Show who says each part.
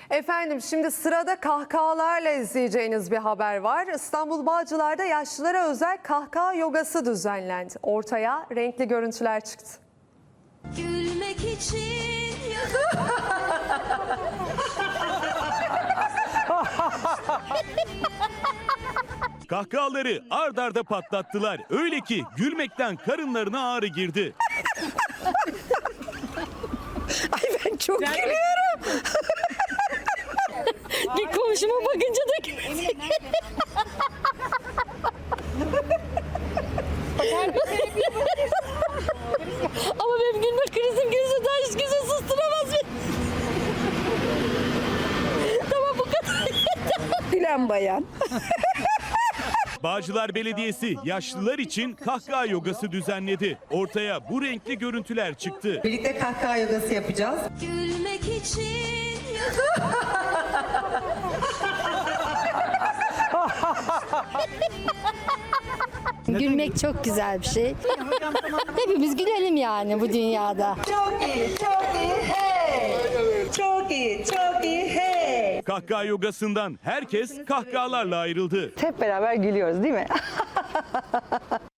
Speaker 1: Efendim şimdi sırada kahkahalarla izleyeceğiniz bir haber var. İstanbul Bağcılar'da yaşlılara özel kahkaha yogası düzenlendi. Ortaya renkli görüntüler çıktı.
Speaker 2: Gülmek için
Speaker 3: Kahkahaları ard arda patlattılar. Öyle ki gülmekten karınlarına ağrı girdi.
Speaker 4: Ay ben çok gülüyorum. Bir komşuma bakınca da ama benim gülme krizim gözünden hiç kimse susturamaz beni. Tamam bu kadar. Gülen bayan.
Speaker 3: Bağcılar Belediyesi yaşlılar için kahkaha yogası düzenledi. Ortaya bu renkli görüntüler çıktı.
Speaker 5: Birlikte kahkaha yogası yapacağız.
Speaker 2: gülmek için
Speaker 4: Gülmek çok güzel bir şey. Hepimiz gülelim yani bu dünyada.
Speaker 5: Çok iyi, çok iyi, hey! Çok iyi, çok iyi, hey!
Speaker 3: Kahkaha yogasından herkes kahkahalarla ayrıldı.
Speaker 6: Hep beraber gülüyoruz değil mi?